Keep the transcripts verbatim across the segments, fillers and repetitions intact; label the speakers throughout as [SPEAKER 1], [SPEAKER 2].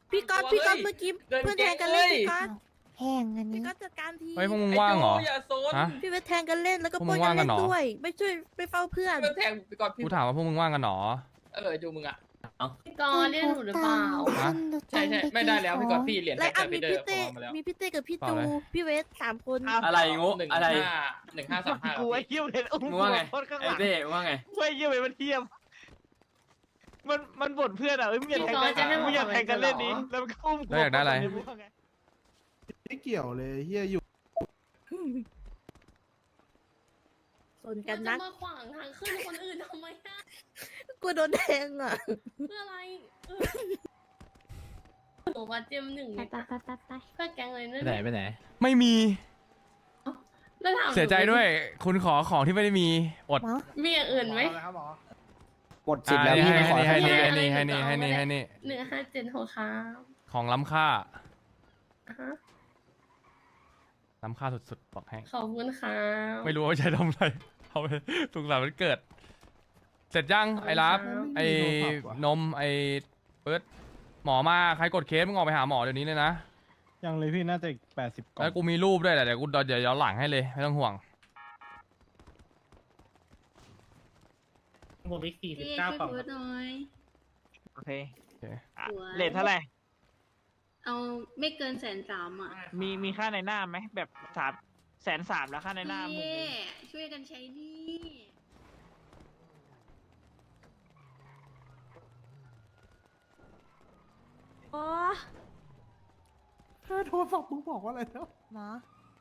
[SPEAKER 1] พี่ก๊อตพี่ก๊อตเมื่อกี้เพื่อนแทงกันเล่นพี่ก๊อต
[SPEAKER 2] แพงอัน
[SPEAKER 1] พี่
[SPEAKER 2] นี้
[SPEAKER 1] ก๊อตจัดการที
[SPEAKER 3] เฮ้ยพวกมึงว่างเหรอ
[SPEAKER 4] อย่าโซน
[SPEAKER 3] ฮะ
[SPEAKER 1] พี่เวทแทงกันเล่นแล้วก็
[SPEAKER 3] พวก
[SPEAKER 1] ป
[SPEAKER 3] มึ
[SPEAKER 1] ล้น
[SPEAKER 3] ง
[SPEAKER 1] กั
[SPEAKER 3] ว่าง
[SPEAKER 1] น
[SPEAKER 3] กัน
[SPEAKER 1] เล่น
[SPEAKER 3] เหรอ
[SPEAKER 1] ด้วยไม่ช่วยไปเฝ้าเพื่อน
[SPEAKER 4] เพื่อนแทงไปก่อนพี่
[SPEAKER 3] กูถามว่าพวกมึงว่างกันเหรอ
[SPEAKER 4] เออจูมึงอ่ะ
[SPEAKER 5] พี่กรณ์เรียกหนูหรือเปล่า
[SPEAKER 3] ฮะ
[SPEAKER 4] ใช่ใช่ไม่ได้แล้วพี่ก่อนพี่เหรียญ
[SPEAKER 1] ไล
[SPEAKER 4] แท็ก
[SPEAKER 1] อัพ
[SPEAKER 4] แต่
[SPEAKER 1] มี
[SPEAKER 4] พี่เดอ
[SPEAKER 1] พี่
[SPEAKER 4] ร์
[SPEAKER 1] เต้
[SPEAKER 4] พอมาแล้ว
[SPEAKER 1] มีพี่เต้กับพี่
[SPEAKER 3] เปล่า
[SPEAKER 1] จู
[SPEAKER 3] เลย
[SPEAKER 1] พี่เวทสามคน
[SPEAKER 6] อะไรงู
[SPEAKER 4] หนึ่ง
[SPEAKER 6] อะไร
[SPEAKER 4] ห้าหนึ่งห้าสามห้า
[SPEAKER 6] กูไอ้เหี้ยเลยอุ้มมึงว่าไง
[SPEAKER 7] โคตรข้างห
[SPEAKER 6] ไอ้
[SPEAKER 7] ลัง
[SPEAKER 6] เต้ว่าไง
[SPEAKER 7] ช่วยเยี่ยมไปมันเทียมมันมันบ่นเพื่อนอ่ะเอ้ยมึงอย่าแทง
[SPEAKER 5] พี่กรณ์จะให้
[SPEAKER 7] กัน
[SPEAKER 5] หม
[SPEAKER 7] มึ
[SPEAKER 5] ด
[SPEAKER 7] งอย่าแทงกันเล่นนี้
[SPEAKER 5] เหรอ
[SPEAKER 7] แล้วมันก็อุ้ม
[SPEAKER 3] แล้วอยากได้อะไร
[SPEAKER 8] ไม่เกี่ยวเลยเฮียอยู่
[SPEAKER 1] สนกั
[SPEAKER 5] มัน น
[SPEAKER 1] นั
[SPEAKER 5] จะ
[SPEAKER 1] ก
[SPEAKER 5] มาขวางทางขึ้นคนอื่นทำไมอะ
[SPEAKER 1] กูโดนแทงอ่ะ
[SPEAKER 5] เพื่ออะไรเออหนูมาเจียมหนึ่ง
[SPEAKER 2] ไปไปไปไปไป
[SPEAKER 5] เพื่อแกงเลยนั่น
[SPEAKER 6] ไปไหนไปไหน
[SPEAKER 3] ไม่มี
[SPEAKER 5] แล้วถามหนู
[SPEAKER 3] เสียใจด้วย คุณขอของที่ไม่ได้มีอด
[SPEAKER 2] หมอ
[SPEAKER 5] มีอย่างอื่นไหม
[SPEAKER 7] ครับหมอ
[SPEAKER 8] หมดสิทธิ์แล้ว
[SPEAKER 3] อ่า
[SPEAKER 8] พี่ไม่ขอ
[SPEAKER 3] ให้
[SPEAKER 8] ให้
[SPEAKER 3] นี่
[SPEAKER 8] นี่
[SPEAKER 3] ให้นี่ให้นี่ให้นี่ให้นี่
[SPEAKER 5] หนึ่งห้าเจ็ดหกครับ
[SPEAKER 3] ของล้ำค่า
[SPEAKER 5] อ่าฮะ
[SPEAKER 3] ล้ำค่าสุดๆบอกให้
[SPEAKER 5] ขอบคุณครับ
[SPEAKER 3] ไม่รู้ว่าใช้ทำอะไรเอาไปสุขสันต์วันเกิด เสร็จยังไอ้รับไอ้นมไอ้เปิดหมอมาใครกดเคสมึงออกไปหาหมอเดี๋ยวนี้เลยนะ
[SPEAKER 7] ยังเลยพี่น่าจะแปดสิบกล่อ
[SPEAKER 3] แล้ว
[SPEAKER 7] ง
[SPEAKER 3] กูมีรูปด้วยแหละเดี๋ยวกูเดี๋ยวย้อนหลังให้เลยไม่ต้องห่วง
[SPEAKER 7] ผมอีกสี่สิบ
[SPEAKER 5] พี่
[SPEAKER 7] เก้า
[SPEAKER 5] ช่วย
[SPEAKER 7] กล่อง
[SPEAKER 5] พูดหน่อย
[SPEAKER 7] โอเค
[SPEAKER 3] โอเค
[SPEAKER 7] อ่ะเลทเท่าไหร่
[SPEAKER 5] เอาไม่เกินแสนสามอ่ะ
[SPEAKER 7] มีมีค่าในหน้าไหมแบบสามแสนสามแล้วค่าในหน้ามึง
[SPEAKER 5] พี่ช่วยกันใช้หนี่
[SPEAKER 2] โอ้
[SPEAKER 8] แค่โทรศัพท์มึงบอกว่าอะไรแล้ว
[SPEAKER 2] หมอ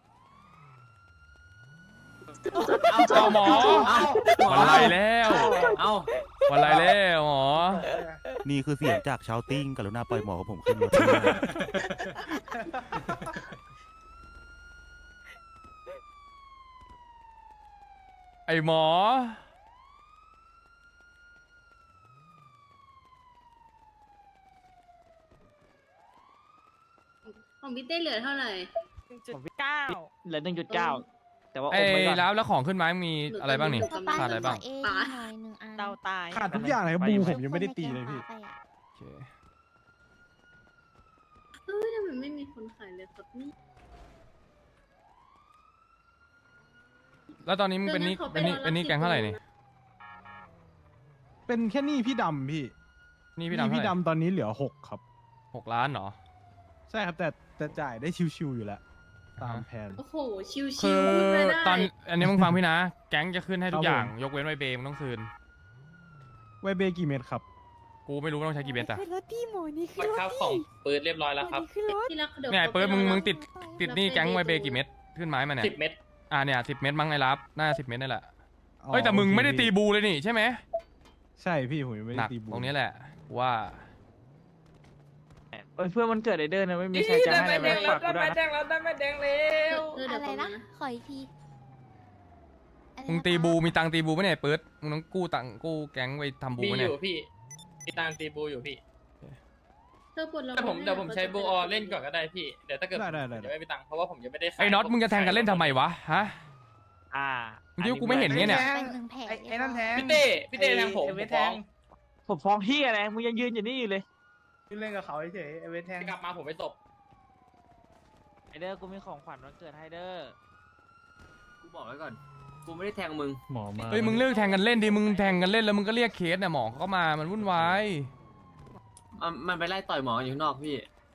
[SPEAKER 3] เอาหมอวันไรแล้ว
[SPEAKER 6] เอ้า
[SPEAKER 3] วันไรแล้วหมอ
[SPEAKER 9] นี่คือเสียงจากชาวติ้งกรุณาปล่อยหมอผมขึ้นรถด้วย
[SPEAKER 3] ไอหมอ
[SPEAKER 5] ของพี่เต้เหลือเท่าไหร่
[SPEAKER 7] ผมเก้าเหลือหนึ่งจุดเก้าแต่ว่า
[SPEAKER 3] ไอ
[SPEAKER 7] อมไว้ก่อน
[SPEAKER 3] แล้วแล้วของขึ้นไม้มีอะไรบ้างนี่
[SPEAKER 5] หนูก็ไม่
[SPEAKER 3] ขาดอะไรบ้าง
[SPEAKER 2] เอหน่อยหนึ่งอัน
[SPEAKER 7] เตาตายขาดทุกอย่างเลยครับบูผมยังไม่ได้
[SPEAKER 2] คนใน
[SPEAKER 7] ตีเลยพี่
[SPEAKER 2] แก๊งพาไปอะ
[SPEAKER 3] โอเค
[SPEAKER 5] เฮ้ยทำไมไม่มีคนขายเลยครับนี่
[SPEAKER 3] แล้วตอนนี้มึงเป็นนี่
[SPEAKER 5] เดี๋ยว
[SPEAKER 3] เป็นนี่
[SPEAKER 5] งั้นขอไป
[SPEAKER 3] เป็นนี่
[SPEAKER 5] รอรับ
[SPEAKER 3] แกงเท่าไหร่นี่
[SPEAKER 7] เป็นแค่หนี้พี่ดำพี่
[SPEAKER 3] นี่
[SPEAKER 7] ห
[SPEAKER 3] พี่
[SPEAKER 7] นี้
[SPEAKER 3] ดำ
[SPEAKER 7] พี่
[SPEAKER 3] เท่าไหร่
[SPEAKER 7] ดำตอนนี้เหลือหกครับ
[SPEAKER 3] หกล้านเหรอ
[SPEAKER 7] ใช่ครับแต่แต่จ่ายได้ชิวๆอยู่แล้ว ตามแผน
[SPEAKER 5] โอ้โห ชิว
[SPEAKER 3] คือ
[SPEAKER 5] ๆพูดไม่ได้
[SPEAKER 3] ตอนอันนี้มึงฟังพี่นะ แก๊งจะขึ้นให้ทุกอย่าง
[SPEAKER 7] ครับผม
[SPEAKER 3] ยกเว้นไวเบย์มึงต้องคืน
[SPEAKER 7] ไวเบกี่เม็ดครับ
[SPEAKER 3] กูไม่รู้ว่าต้องใช้กี่เบสอะ
[SPEAKER 2] ขึ้นรถพี่หมอนี่ขึ้
[SPEAKER 4] ปั
[SPEAKER 2] น
[SPEAKER 4] ด
[SPEAKER 2] รถ
[SPEAKER 4] ข้าวข
[SPEAKER 2] พี่
[SPEAKER 4] องปืนเรียบร้อยแล้วครับ
[SPEAKER 2] หมอนี่ขึ้นรถ
[SPEAKER 5] ที่รักเดี๋ยว
[SPEAKER 3] เนี่ยไอ้เปิดมึงมึงติดติดหนี่
[SPEAKER 5] รับ
[SPEAKER 3] แก๊งไวเบย์
[SPEAKER 5] ไป
[SPEAKER 3] กี่เม็ดขึ้นไม้มาเนี่ย
[SPEAKER 4] สิบเม็ด
[SPEAKER 3] อ่าเนี่ยสิบเม็ดมั้งไอ้รับ น่าสิบเม็ดนี่แหละ
[SPEAKER 7] อ๋อ
[SPEAKER 3] เฮ้ยแต่มึง
[SPEAKER 7] โอเค
[SPEAKER 3] ไม่ได้ตี
[SPEAKER 7] พี่
[SPEAKER 3] บูเลยนี่ใช่ไหม
[SPEAKER 7] ใช่พี่ผมยังไม่
[SPEAKER 3] ห
[SPEAKER 7] ได้
[SPEAKER 3] นัก
[SPEAKER 7] ตีบู
[SPEAKER 3] ตรงนี้แหละกูว่า
[SPEAKER 7] เอ้ยเพื่อนมันเกิดไอเดอร์นะไม่มีใครจะให้อะไรไหมฝากกูด้วยนะ
[SPEAKER 4] แดงแล้วได้ไม่แดงแล้ว
[SPEAKER 5] เออ
[SPEAKER 2] อะ
[SPEAKER 5] เดี๋ยว
[SPEAKER 2] ไร
[SPEAKER 5] ก่อน
[SPEAKER 2] นะ
[SPEAKER 5] นะ
[SPEAKER 2] ขออีกทีอะไร
[SPEAKER 3] มึง
[SPEAKER 2] นะ
[SPEAKER 3] ตี
[SPEAKER 2] คะ
[SPEAKER 3] บูมีตังค์ตีบูไหมเนี่ยไอ้เปิดมึงต้องกู้ตังค์กู้แก๊งไปทำบู
[SPEAKER 4] มี
[SPEAKER 3] ไหม
[SPEAKER 4] อ
[SPEAKER 3] เนี่ย
[SPEAKER 4] ยู่พี่มีตังตีบูอยู่พี่
[SPEAKER 5] เธอปวดเรา
[SPEAKER 4] แต่ผมเดี๋ยวผมใช้บูออเล่นก่อนก็ได้พี่เดี๋ยวถ้าเกิด
[SPEAKER 7] ได้ได้ได้
[SPEAKER 4] เดี๋ยวไม่มีตังค์เพราะว่าผมยังไม่ได้ขาย
[SPEAKER 3] ไอ้น็อตมึงจะแทงกันเล่นทำไมวะฮะ
[SPEAKER 7] อ่า
[SPEAKER 3] มึงคิดว่ากูไม่เห็นไงเนี่ย
[SPEAKER 2] เป็นหนึ่งแผล
[SPEAKER 7] ไอ้ไอ้นั่นแทง
[SPEAKER 4] พี่เต้พี่เต้แทงผม
[SPEAKER 7] ไอ้
[SPEAKER 4] ผ
[SPEAKER 7] เว
[SPEAKER 4] ม
[SPEAKER 7] ทแท
[SPEAKER 4] ฟ้อง
[SPEAKER 7] งผมฟ้องพี่อะไรมึงยังยืนอยู่นี่อยู่เลยยืนเล่นกับเขาเฉยไอ้เวทแทง
[SPEAKER 4] กลับมาผมไปตบ
[SPEAKER 7] ไอเดอร์กูมีของขวัญวันเกิดให้เดอร์
[SPEAKER 6] กูบอกไว้ก่อน กูไม่ได้แทงมึง
[SPEAKER 7] หมอมา
[SPEAKER 3] เฮ้ยมึงเลิกแทงกันเล่นดิมึงแทงกันเล่นแล้วมึงก็เรียกเคสเนี่ยหมอเขาก็มามันวุ่นวาย
[SPEAKER 6] มันมันไปไล่ต่อยหมออยู่ข้างนอกพี่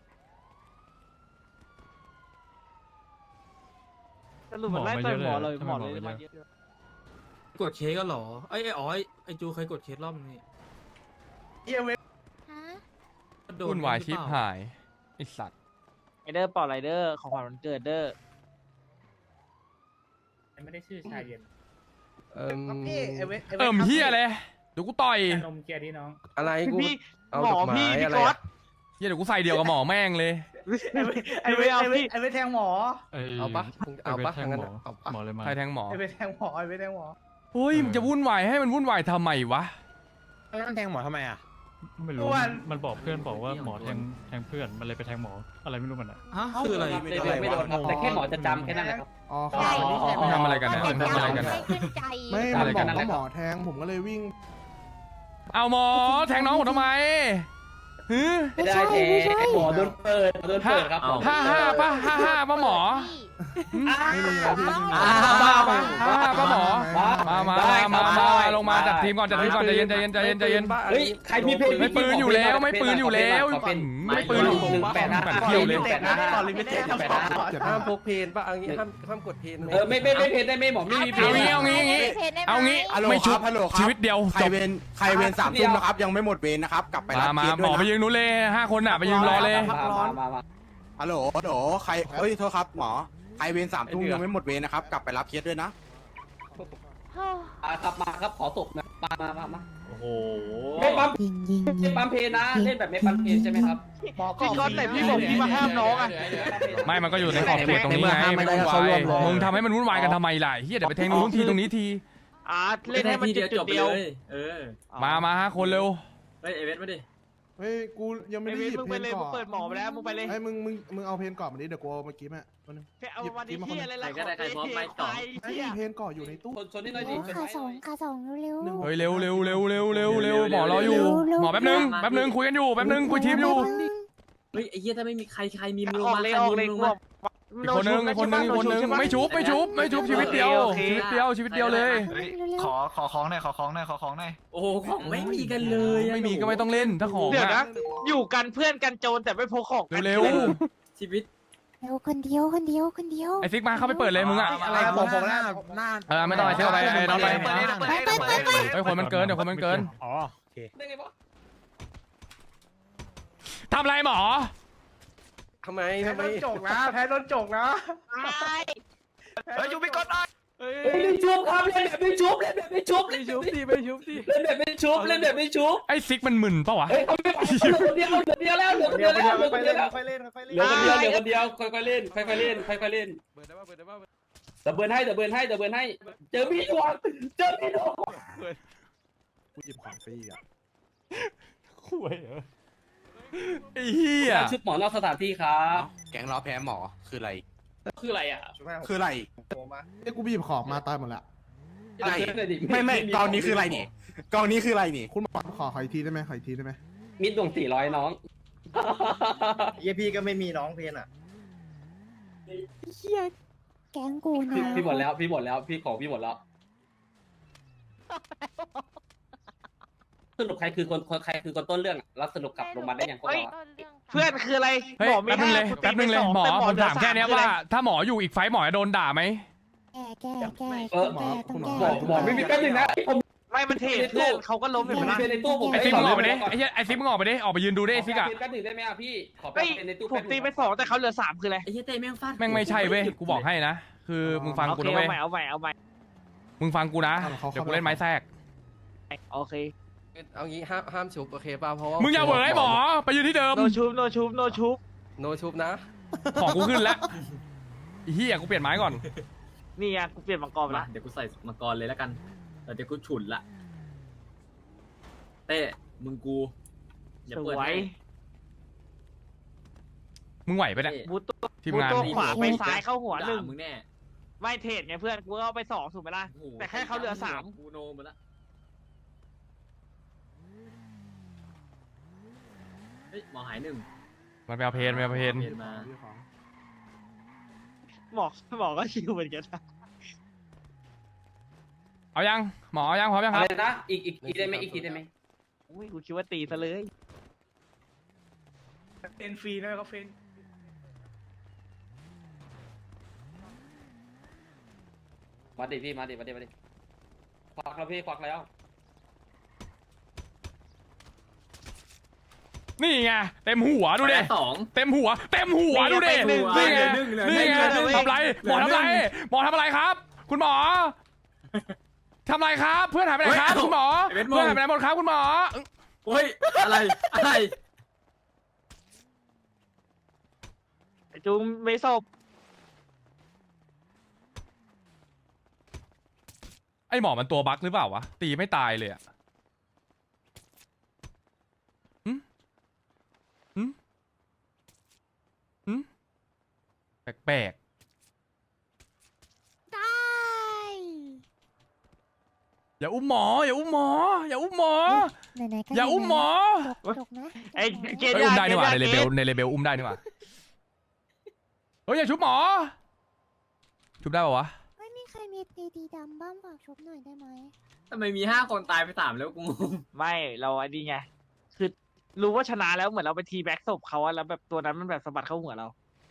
[SPEAKER 7] สรุปมันไล่ต่อยหมอเลยหมอเลยมาเยอะ
[SPEAKER 10] กดเคสก็หรอไอ้ไอ้อ๋อไอ้ไอ้จูเคยกดเคสรอบนี้
[SPEAKER 2] ฮะ
[SPEAKER 10] โดน
[SPEAKER 3] วุ่นวาย
[SPEAKER 10] หรือ
[SPEAKER 3] ชิบ
[SPEAKER 10] เปล่
[SPEAKER 3] หายไอสัตว์
[SPEAKER 7] ไอเดอร์เป่าไรเดอร์ของขวัญวันเกิดเดอร์
[SPEAKER 8] ไม่ได้ชื่อชายเย็น
[SPEAKER 3] เอิ่ม
[SPEAKER 8] พี่ไอ้เวท
[SPEAKER 3] เอิ่มเฮียเลยเดี๋ยวกูต่อย
[SPEAKER 8] นมเกียร์ที่น้อง
[SPEAKER 4] อะไรกู
[SPEAKER 7] พี่
[SPEAKER 4] เอา
[SPEAKER 7] หมอ
[SPEAKER 4] ดอกไม้
[SPEAKER 7] พี่พี่
[SPEAKER 4] อะไร
[SPEAKER 7] ก๊อ
[SPEAKER 4] อะ
[SPEAKER 7] ต
[SPEAKER 3] เฮียเดี๋ยวกูใส่เดียวกับหมอแม่งเลย
[SPEAKER 7] ไอเวทเอาพี่
[SPEAKER 8] ไอ้เวทแทงหมอ
[SPEAKER 4] เอาปะเอาปะทางนั้นอะเอาปะ
[SPEAKER 10] หมอเลยมา
[SPEAKER 3] ใครแทงหมอ
[SPEAKER 8] ไอ้เวทแทงหมอไอ้เวทแทงหมอ
[SPEAKER 3] เฮ้ยมึงจะวุ่นวายให้มันวุ่นวายทำไมวะ
[SPEAKER 8] นั่นแทงหมอทำไมอ่ะ
[SPEAKER 10] ไม่รู้
[SPEAKER 8] อ้วน
[SPEAKER 10] มันบอกเพื่อนบอกว่าหมอแทงแทงเพื่อนมันเลยไปแทงหมออะไรไม่รู้มันอ่ะ
[SPEAKER 8] ฮะ
[SPEAKER 10] คืออะไร
[SPEAKER 4] ไม่โดนไม่โดนแต่แค่หมอจะจำแค่นั้นแหละครับ
[SPEAKER 8] อ๋อ
[SPEAKER 2] ใช่
[SPEAKER 3] มึงทำอะไรกันเนี่ยมึงทำอะไรกัน
[SPEAKER 2] ไม่
[SPEAKER 3] เนี่ย
[SPEAKER 2] ขึ้นใจ
[SPEAKER 8] ไม่
[SPEAKER 3] อะ
[SPEAKER 8] มัน
[SPEAKER 3] ไร
[SPEAKER 8] บ
[SPEAKER 3] กั
[SPEAKER 8] อน ก
[SPEAKER 3] นั่นแหละ
[SPEAKER 8] ว่าหมอแทงผมก็เลยวิ่ง
[SPEAKER 3] เอาหมอแทงน้องผมทำไมฮึ
[SPEAKER 4] ไม่ได้แท้หมอโดนเปิดโดนเปิดครับหมอ
[SPEAKER 3] ห้าห้าป่ะห้าห้าป่ะหมอ
[SPEAKER 8] ไม่มีอะไรพี่ไม่มี
[SPEAKER 4] อ่า
[SPEAKER 8] อะไร
[SPEAKER 4] มามา
[SPEAKER 3] ห้าห้าป่ะหมอ มามามามามาลงมาจัดทีมก่อนจัดทีมก่อนใจเย็นใจเย็นใจเย็นใจเย็น
[SPEAKER 4] เฮ้ยใครมีเพลง
[SPEAKER 3] ไม่ปืนอยู่แล้วไม่ปืนอยู่แล้ว
[SPEAKER 4] ขอเป็น
[SPEAKER 3] ไม่ปืนอยู่
[SPEAKER 4] หนึ่งแปดห้า
[SPEAKER 3] แปดเที่ยวเลย
[SPEAKER 4] แปดห้า
[SPEAKER 7] ก่อนลิมิเต็ด
[SPEAKER 4] แปดห้า
[SPEAKER 7] ห้ามพกเพนป่ะเอางี้ห้ามห้ามกดเพน
[SPEAKER 4] เออไม่ไม่ไม่เพลงได้ไหมหมอไม่มีเพล
[SPEAKER 3] เอา
[SPEAKER 4] ง
[SPEAKER 3] งี้เอางี้เอางี้เอางี้ไม่ชุบชีวิตเดียว
[SPEAKER 9] ใคร
[SPEAKER 3] จบ
[SPEAKER 9] เวรใครเวรสามทุ่มนะครับ ยังไม่หมดเวรนะครับ กลับไป
[SPEAKER 3] มา
[SPEAKER 9] รับ
[SPEAKER 3] มา
[SPEAKER 9] เคส
[SPEAKER 3] ห
[SPEAKER 9] ด้
[SPEAKER 3] ม
[SPEAKER 9] ว
[SPEAKER 3] อย ไป
[SPEAKER 9] นะ
[SPEAKER 3] ยืนนู้นเลยห้าคนอ่ะไปยืนรอเลย
[SPEAKER 4] มามามามา
[SPEAKER 9] ฮัลโหลฮัลโหลใครเอ้ยโทษครับหมอใครเวรสามทุ่มยังไม่หมดเวรนะครับ กลับไปรับเคสด้วยนะ
[SPEAKER 4] อ่ะครับมาครับขอตบนะมามามามา
[SPEAKER 6] โอ้โห
[SPEAKER 4] ไม่ปั๊ม
[SPEAKER 2] ยิงยิงยิ
[SPEAKER 4] ไม่
[SPEAKER 2] ง
[SPEAKER 4] ปั๊มเพลงนะเล่นแบบไม่ปั๊มเพลงใช่ไหมครับ
[SPEAKER 7] พี่ก๊อตไหนพี่บอกพี่มาห้ามน้องอ่ะ
[SPEAKER 3] ไม่มันก็อยู่ในขอบเขตตรงนี้ไงไม่วุ่นวายมึงทำให้มันวุ่นวายกันทำไมล่ะเฮียเดี๋ยวไปแทงนู้นทีตรงนี้ที
[SPEAKER 7] อ่าเล่นให้มัน
[SPEAKER 6] ที
[SPEAKER 7] จุด
[SPEAKER 6] จบ
[SPEAKER 7] เดียว
[SPEAKER 6] เลยเออ
[SPEAKER 3] มามาห้าคนเร็ว
[SPEAKER 6] เฮ้ยเอเวสมาดิ
[SPEAKER 8] เฮ้ยกูยังไม่
[SPEAKER 7] ไอ้
[SPEAKER 8] ได้
[SPEAKER 7] เว
[SPEAKER 8] หยิ
[SPEAKER 7] ท
[SPEAKER 8] บ
[SPEAKER 7] มึง
[SPEAKER 8] เพ
[SPEAKER 7] ไป
[SPEAKER 8] น
[SPEAKER 7] เลย
[SPEAKER 8] ก่
[SPEAKER 7] มึง
[SPEAKER 8] อน
[SPEAKER 7] เปิดหมอไปแล้วมึงไปเลย
[SPEAKER 8] ไอ้มึงมึงมึงเอาเพนก่อนมาดิเดี๋ยวกูเอาเมื่อกี้แม่แป๊บนึง
[SPEAKER 7] เอาวันนี้
[SPEAKER 8] หยิบ
[SPEAKER 7] ที่อะไรล่ะ
[SPEAKER 6] ใครก็ได้ใครพร้อมไหมต่อ
[SPEAKER 8] ไอ้เพนก่อนอยู่ในตู้
[SPEAKER 4] คนชนนิดหน่อยดิ
[SPEAKER 2] ขาสองขาสองเร็ว
[SPEAKER 8] หนึ่ง
[SPEAKER 3] เฮ้ยเร็วเร็วเร็วเร็วเร็วเร็วหมอรออยู่หมอแป๊บนึงแป๊บนึงคุยกันอยู่แป๊บนึงคุยทีมอยู่
[SPEAKER 6] เฮ้ยไอ้เหี้ยถ้าไม่มีใครใครมีมือ
[SPEAKER 7] ออก
[SPEAKER 6] มา
[SPEAKER 7] เลย
[SPEAKER 6] ใคร
[SPEAKER 7] ออก
[SPEAKER 6] มี
[SPEAKER 7] เลย
[SPEAKER 6] มือ
[SPEAKER 7] กู
[SPEAKER 6] มา
[SPEAKER 3] อีกคนนึงอีกคนนึงอีกคนนึงไม่ชุบไม่ชุบไม่ชุบชีวิตเดียวชีวิตเดียวชีวิตเดียวเลย
[SPEAKER 2] ขอ
[SPEAKER 10] ขอของหน่อยขอของหน่อยขอของหน่อย
[SPEAKER 6] โอ้โหของไม่มีกันเลยอะ
[SPEAKER 3] ไม่มีก็ไม่ต้องเล่นถ้าของ
[SPEAKER 7] เดี๋ยว
[SPEAKER 3] อะ
[SPEAKER 7] นะอยู่กันเพื่อนกันโจรแต่ไม่พกของกัน
[SPEAKER 3] เร็ว
[SPEAKER 6] ชีวิต
[SPEAKER 2] เร็วคนเดียวคนเดียวคนเดียว
[SPEAKER 3] ไอซิกมาเข้าไปเปิดเลยมึงอะ
[SPEAKER 7] อะไรผมผมหน้าหน้า
[SPEAKER 3] เออไม่ต้องไอซิกเอาไปไอ้น้องไป
[SPEAKER 7] เปิดเลยเปิดเลยเปิดเลย
[SPEAKER 3] ไอคนมันเกินเดี๋ยวคนมันเกิน
[SPEAKER 4] ได้ไงวะ
[SPEAKER 3] ทำไรหมอ
[SPEAKER 7] ทำไมทำไมโดนจกนะแพ้โดนจกนะเฮ้ยยูมิกอนได้
[SPEAKER 4] เฮ้ยไม่ชุบครับเล่นแบบไม่ชุบเล่นแบบไม่ชุบ
[SPEAKER 7] ไม่ชุบดิไม่ชุบดิ
[SPEAKER 4] เล่นแบบไม่ชุบเล่นแบบไม่ชุบ
[SPEAKER 3] ไอซิกมันมึนปะวะ
[SPEAKER 4] เฮ้ยเอาไม่เหลือคนเดียวเหลือคนเดียวแล้วเหลือคนเดียวแล้วเหลือคนเดียวแล้ว
[SPEAKER 7] ค่อยเล่นค่อย
[SPEAKER 4] เห
[SPEAKER 7] เล่
[SPEAKER 4] ลือน คนเดียวเหลือคนเดียวค่อยๆเล่นค่อยๆเล่นค่อยๆเล่น
[SPEAKER 7] เปิดได้ป่ะเปิดได้ป่ะ
[SPEAKER 4] เดี๋ยวเบิร์นให้เดี๋ยวเบิร์นให้เดี๋ยวเบิร์นให้เจอพี่ดวงเจอพี่ดวง
[SPEAKER 8] กูหยิบของฟรีอ่ะ
[SPEAKER 3] คุยเหรอไอ้เหี้ย
[SPEAKER 4] ชุดหมอนอกสถานที่ครับ
[SPEAKER 9] แก๊งล้อแพ้หมอคืออะไร
[SPEAKER 4] คืออะไรอ่ะ
[SPEAKER 9] คืออะไร
[SPEAKER 8] ไอ้กูไปหยิบของมาตายหมดแล้ว
[SPEAKER 9] อะไรไม่ไม่กองนี้คืออะไรนี่กองนี้คืออะไรนี่
[SPEAKER 8] คุณหมอขอขออีกทีได้ไหมขออีกทีได้ไหม
[SPEAKER 4] มิดดวงสี่ร้อยน้อง
[SPEAKER 7] เยพี่ก็ไม่มีน้องเพนอ่ะ
[SPEAKER 2] เฮียแกงกูนะ
[SPEAKER 4] พี่พี่หมดแล้วพี่หมดแล้วพี่ของพี่หมดแล้วสรุปใครคือคนคนใครคือคนต้นเรื่องอะแล้วสรุปกลับลงมาได้ยังพวกเราอะ
[SPEAKER 7] เพื่อนคืออะไร
[SPEAKER 3] เฮ้ย
[SPEAKER 7] หมอมี
[SPEAKER 3] แป๊บนึงเลย
[SPEAKER 7] ห้า
[SPEAKER 3] แป๊บนึงเลยหมอ
[SPEAKER 7] แต่
[SPEAKER 3] ผมถามแค่เนี้ย
[SPEAKER 7] เหลือ
[SPEAKER 3] ว่า
[SPEAKER 7] สาม
[SPEAKER 3] ถ้าหมออยู่อีกไฟท์หมอจะโดนด่าไหม
[SPEAKER 2] แก้แก้แก้
[SPEAKER 4] เออ
[SPEAKER 2] ต้องแก้ต้อง
[SPEAKER 4] หมอ
[SPEAKER 2] แก้
[SPEAKER 4] หมอไม่มีแป๊บนึงนะผม
[SPEAKER 7] ไม่มันเทรดเพื่อนเขาก็ล้ม
[SPEAKER 4] ผ
[SPEAKER 7] อยู่
[SPEAKER 4] มมี
[SPEAKER 7] นะ
[SPEAKER 4] เพลงในตู้ผม
[SPEAKER 3] ไอซิกมึงออกไปดิไอเหี้ยไอซิกมึงออกไปดิออกไปยืนดูดิไอซิกอะ
[SPEAKER 4] แป๊บนึงได้ไหมอ่ะพี่ขอ
[SPEAKER 7] เฮ้ย
[SPEAKER 4] เพลงในตู้
[SPEAKER 7] ผมตีไปสองแต่เขาเหลือสามคืออะไร
[SPEAKER 6] ไอ้เหี้ยเต้แม่งฟาด
[SPEAKER 3] แม่งไม่ใช่เว้ยกูบอกให้นะคือมึงฟัง
[SPEAKER 7] โอ
[SPEAKER 3] กู
[SPEAKER 7] เค
[SPEAKER 3] นะเว้
[SPEAKER 7] เอา
[SPEAKER 3] ย
[SPEAKER 7] ใหม่เอาใหม่เอาใหม่
[SPEAKER 3] มึงฟังกูนะเดี๋ยวกูเล่นไม้แทรก
[SPEAKER 7] โอเค
[SPEAKER 4] เอางี้ห้ามห้ามฉุบโอเคป่ะเพราะว่า
[SPEAKER 3] มึงอย่าเหวอไอ้หมอไปยืนที่เดิม
[SPEAKER 7] โนชูบโนชูบโนชูบ
[SPEAKER 4] โนชุบนะ
[SPEAKER 3] ของกูขึ้นแล้วไอ้เหี้ยกูเปลี่ยนไม้ก่อน
[SPEAKER 7] นี่ไงกูเปลี่ยนมังกรไป
[SPEAKER 6] มา
[SPEAKER 7] ละ
[SPEAKER 6] เดี๋ยวกูใส่มังกรเลยแล้วกันแต่เดี๋ยวกูฉุนละเต้มึงกูอย่า
[SPEAKER 7] ส
[SPEAKER 6] เปิด
[SPEAKER 7] วย
[SPEAKER 6] ให้
[SPEAKER 3] มึงไหวไปะเนี่ย
[SPEAKER 7] บูตตัว
[SPEAKER 3] ทีม
[SPEAKER 7] บูต
[SPEAKER 3] งาน
[SPEAKER 7] ตัวขวาไปซ้ายเข้าหัวหนึ่ง
[SPEAKER 6] ด่ามึงแน่
[SPEAKER 7] ไม่เทรดไงเพื่อนกูก็เอาไปสองถูกไหมล่ะ
[SPEAKER 6] โอ้โห
[SPEAKER 7] แต่แค่เขาเหลือสาม
[SPEAKER 6] กูโนหมดละเฮ้ยหมอหายหนึ่ง
[SPEAKER 3] มันไปเอาเพนไปเอาเพน
[SPEAKER 6] เพนมา
[SPEAKER 8] ของ
[SPEAKER 7] หมอหมอก็ชิวเหมือนกันนะ
[SPEAKER 3] เอายังหมอเอายังพร้อมยังค
[SPEAKER 4] อะ
[SPEAKER 3] รับ
[SPEAKER 4] ไรนะอีกอีกอีกได้ไหมอีกทีได้ไหม
[SPEAKER 7] อุ้ยกูคิดว่าตีซะเลย
[SPEAKER 10] เฟนฟรีนะเขาเฟน
[SPEAKER 4] มาดิพี่มาดิมาดิมาดิควักแล้วพี่ควักแล้ว
[SPEAKER 3] นี่ไงเต็มหัวดูดิ
[SPEAKER 6] ไปสอง
[SPEAKER 3] เต็มหัว เต็มหัวดูดิ
[SPEAKER 7] หนึ่ง
[SPEAKER 3] นี่ไง
[SPEAKER 6] หนึ่งเหลือห
[SPEAKER 3] นี่
[SPEAKER 6] นึ่ง
[SPEAKER 3] ไง
[SPEAKER 6] เหลือหนึ่ง
[SPEAKER 3] ทำไรหมอทำไรหมอทำอะไรครับ คุณหมอทำไรครับ เพื่อนหายไปไหนครับคุณหมอเพื่อนหายไปไหนหมดครับคุณหมอ
[SPEAKER 6] เฮ้ยอะไรอะไร
[SPEAKER 7] ไอ้จุงไม่ศพ
[SPEAKER 3] ไอหมอมันตัวบั๊กหรือเปล่าวะตีไม่ตายเลยอะหืมหืมหืมแปลก
[SPEAKER 2] ได้
[SPEAKER 3] อย่าอุ้มหมอ อย่าอุ้มหมอ อย่าอุ้มหมอ
[SPEAKER 2] ไหนๆก็
[SPEAKER 3] อย่าอุ้มหมอ
[SPEAKER 2] จกจกนะ
[SPEAKER 7] ไอ้เก
[SPEAKER 3] เฮ้
[SPEAKER 7] ด
[SPEAKER 3] ยอุ้มได้นี่หว่าในเลเบลในเลเบลอุ้มได้นี่หว่าเฮ้ยอย่าชุบหมอ ชุบได้ปะวะ
[SPEAKER 2] ไม่มีใครมีตีดีดำบ้างฝากชุบหน่อยได้ไหม
[SPEAKER 6] ทำไมมีห้าคนตายไปสามแล้วกูงง
[SPEAKER 7] ไม่เราอันนี้ไงคือรู้ว่าชนะแล้วเหมือนเราไปทีแบ็กศพเขาอะแล้วแบบตัวนั้นมันแบบสะบัดเข้าหัวเรา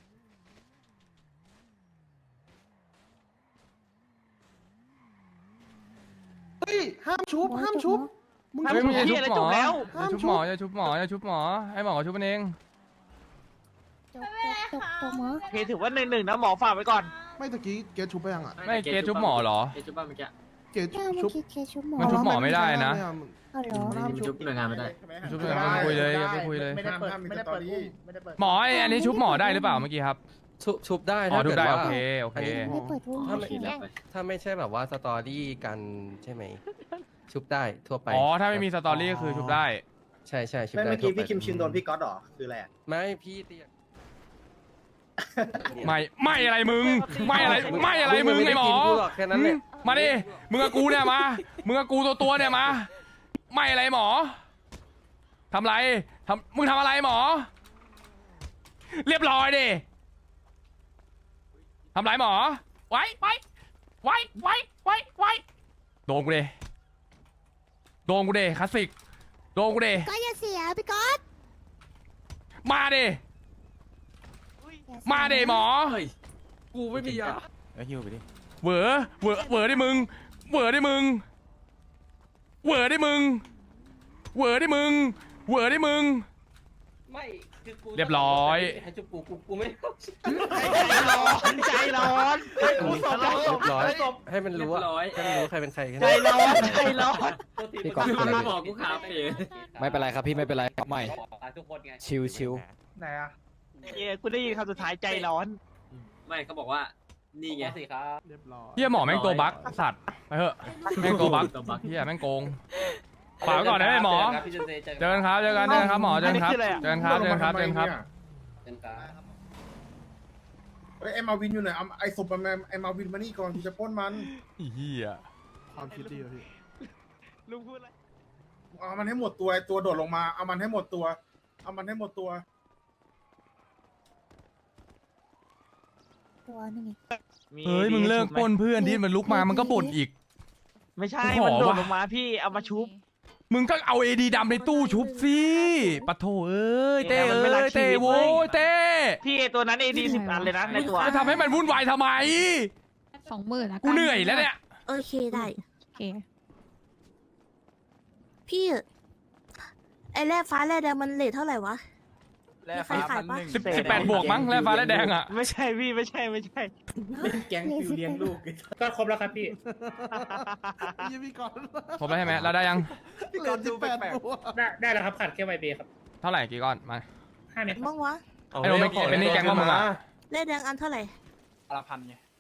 [SPEAKER 8] เฮ้ย ห้ามชุบ ห้ามชุบ มึง
[SPEAKER 7] ห้าม
[SPEAKER 3] เฮ้ย
[SPEAKER 7] ชุ
[SPEAKER 3] มึ
[SPEAKER 7] บ
[SPEAKER 3] งอย่า
[SPEAKER 7] เหี้
[SPEAKER 3] ชุ
[SPEAKER 7] ย
[SPEAKER 3] บ
[SPEAKER 7] แล้ว
[SPEAKER 3] หมอ
[SPEAKER 7] จบแล้ว
[SPEAKER 3] อย่าชุบหมอ อย่าชุบหมอ อย่าชุบหมอ ให้หมอเขาชุบมันเอง
[SPEAKER 2] จกจกจกจกหมอ
[SPEAKER 7] โอเคถือว่าหนึ่งหนึ่งนะหมอฝากไว้ก่อน
[SPEAKER 8] ไม่ตะกี้เกตชุบไปยังอ่ะ
[SPEAKER 3] ไม่เกรดชุบหมอเหรอ
[SPEAKER 6] เกรดชุบบ้างเมื่อกี้
[SPEAKER 8] เกต
[SPEAKER 2] แก้วเมื่
[SPEAKER 8] ชุ
[SPEAKER 2] อบ กี้เคชุบหมอ
[SPEAKER 3] มันชุบหมอไม่ได้นะ
[SPEAKER 2] เอาเหรอ
[SPEAKER 6] มันชุบหน่วยงานไม่ได้
[SPEAKER 3] ชุบเลยไม่คุยเลยอย่าไปคุยเลย
[SPEAKER 11] ไม่ได้เปิดไม่ได้เปิดอุ้มไม่ได้เปิด
[SPEAKER 3] หมอไอ้อันนี้ชุบหมอได้หรือเปล่าเมื่อกี้ครับ
[SPEAKER 12] ชุบชุบได้
[SPEAKER 3] อ๋อ
[SPEAKER 12] ถ้า
[SPEAKER 3] ชุบ
[SPEAKER 12] เกิด
[SPEAKER 3] ได้
[SPEAKER 12] ว่า
[SPEAKER 3] โอเค โอเค
[SPEAKER 2] ไม่เปิดรู
[SPEAKER 12] ถ้าไม่
[SPEAKER 2] ใช่ไหม
[SPEAKER 12] ถ้าไม่ใช่แบบว่าสตอรี่กันใช่ไหม ชุบได้ทั่วไป
[SPEAKER 3] อ๋อ ถ้าไม่มีสตอรี่ก็คือชุบได้
[SPEAKER 12] ใช่ใช่ชุบ
[SPEAKER 11] ไม่
[SPEAKER 12] ได้
[SPEAKER 11] เมื่อกี้
[SPEAKER 12] ทั่วไป
[SPEAKER 11] พี่คิมชินโดนพี่ก๊อตหรอคืออะไร
[SPEAKER 12] ไม่พี่เตีย
[SPEAKER 3] ไม่ ไม่อะไรมึง ไม่อะไร ไม่อะไรมึงไอ้หมอ
[SPEAKER 12] กูหรอกแค่นั้นแหละ
[SPEAKER 3] มาดิ มึงกับกูเนี่ยมา มึงกับกูตัวตัวๆเนี่ยมา ไม่อะไรหมอ ทำไรทำมึงทำอะไรหมอ เรียบร้อยดิ ทำไรหมอ ไว้ไว้ไว้ไว้ไว้ไว้โดนกูเดโดนกูเดคลาสสิก โดนกูเด
[SPEAKER 2] ก็อย่าเสียพี่ก๊อต
[SPEAKER 3] มาดิ มาดิหมอ
[SPEAKER 12] กูไม่มียา
[SPEAKER 3] เหวอเหวอเหวอได้มึง เหวอได้มึง เหวอได้มึง เหวอได้มึง เหวอได้มึง
[SPEAKER 4] ไม่คือกู
[SPEAKER 3] เรียบร้อย
[SPEAKER 4] ให้จุบกูกูกูไม่
[SPEAKER 7] ใจร้อนใจร้อน
[SPEAKER 12] เรียบร้อยให้มันรู้ว่า
[SPEAKER 6] เรียบร้อย
[SPEAKER 12] ให้มันรู้ใครเป็นใครแค่
[SPEAKER 7] ใจ
[SPEAKER 12] นั้น
[SPEAKER 7] ร้อนใจร้อน
[SPEAKER 4] พี่
[SPEAKER 6] คือมันบอกกูขาเป๋
[SPEAKER 4] ไม่เป็นไรครับพี่ไม่เป็นไรใหม่ทุกคนไง
[SPEAKER 11] ชิวชิวไหนอะ
[SPEAKER 7] เย้กูได้ยินคำสุดท้ายใจร้อน
[SPEAKER 6] ไม่เขาบอกว่านี่ไง
[SPEAKER 4] สิครับ
[SPEAKER 8] เรียบร้อย
[SPEAKER 3] เฮียหมอแม่งตัวบั๊กสัตว์ ไปเถอะ แม่งตัวบั๊ก
[SPEAKER 6] ตัวบั๊ก
[SPEAKER 3] เฮียแม่งโกง ฝากไว้ก่อนนะไอ้หมอ
[SPEAKER 4] พี่เจนเจเจอ
[SPEAKER 3] เจอกันครับ เจอกัน เจอกันครับหมอ เจอกันครับ
[SPEAKER 7] อันนี้คืออะไรอะ
[SPEAKER 3] เจอกันครับ เจอกันครับ เจอกันครับ
[SPEAKER 4] เจนกัน
[SPEAKER 11] เฮ้ยไอ้มาวินอยู่ไหนเอาไอ้ศพมันมาไอ้มาวินมานี่ก่อนกูจะปล้นมัน
[SPEAKER 3] เฮีย
[SPEAKER 8] ความคิดดีอะพี่
[SPEAKER 7] ลุงพูดอะไร
[SPEAKER 11] เอามันให้หมดตัวไอ้ตัวโดดลงมาเอามันให้หมดตัวเอามันให้หมดตัว
[SPEAKER 2] ตัวนึง
[SPEAKER 3] เฮ้ย มึงเลิกปล้นเพื่อนที่มันลุกมา มันก็บ่นอีก
[SPEAKER 7] ไม่ใช่
[SPEAKER 3] ขอ
[SPEAKER 7] มันโดด
[SPEAKER 3] ว่ะ
[SPEAKER 7] ลงมาพี่เอามาชุบ
[SPEAKER 3] มึงก็เอาเอดีดำในตู้ชุบสิปะโถเอ้ย เต้
[SPEAKER 7] เนี่ยมัน
[SPEAKER 3] เอ้
[SPEAKER 7] ไม่รัก
[SPEAKER 3] ย
[SPEAKER 7] ชี
[SPEAKER 3] เต้
[SPEAKER 7] วิต
[SPEAKER 3] โว้
[SPEAKER 7] เว้
[SPEAKER 3] ย
[SPEAKER 7] ย
[SPEAKER 3] เต้
[SPEAKER 7] พี่ไอ้ตัวนั้นเอดีสิบอันเลยนะในตัว
[SPEAKER 3] จะทำให้มันวุ่นวายทำไม
[SPEAKER 5] สองหมื่นละ
[SPEAKER 3] กูเหนื่อยแล้วเนี่ย
[SPEAKER 1] โอเคได้
[SPEAKER 5] โอเค
[SPEAKER 1] พี่ไอ้แร่ฟ้าแร่แดงมันเลทเท่าไหร่วะ
[SPEAKER 7] แล้ว
[SPEAKER 1] มีใครขายปะ
[SPEAKER 3] สิบสิบแปดบวกมั้งแร่ฟ้าแร่แดงอ่ะ
[SPEAKER 7] ไม่ใช่พี่ไม่ใช่ไม่ใช่
[SPEAKER 11] แก๊งฟิวเลี้ยงลูกก็ครบแล้วครับพี่
[SPEAKER 8] ยี่พี่ก่อน
[SPEAKER 3] ครบแล้วใช่ไหมเราได้ยัง
[SPEAKER 8] พี่ก่อนสิบแปดตัว
[SPEAKER 11] ได้ได้แล้วครับขาดแค่ใบเบครับ
[SPEAKER 3] เท่าไหร่กี่ก้อน มา
[SPEAKER 11] ห้าเม็ด
[SPEAKER 1] บ้างวะ
[SPEAKER 3] ไอ้โนไม่เป็นนี่แกงบ้างมึงอ่ะ
[SPEAKER 1] แร่แดงอันเท่าไหร่
[SPEAKER 11] ละพันไง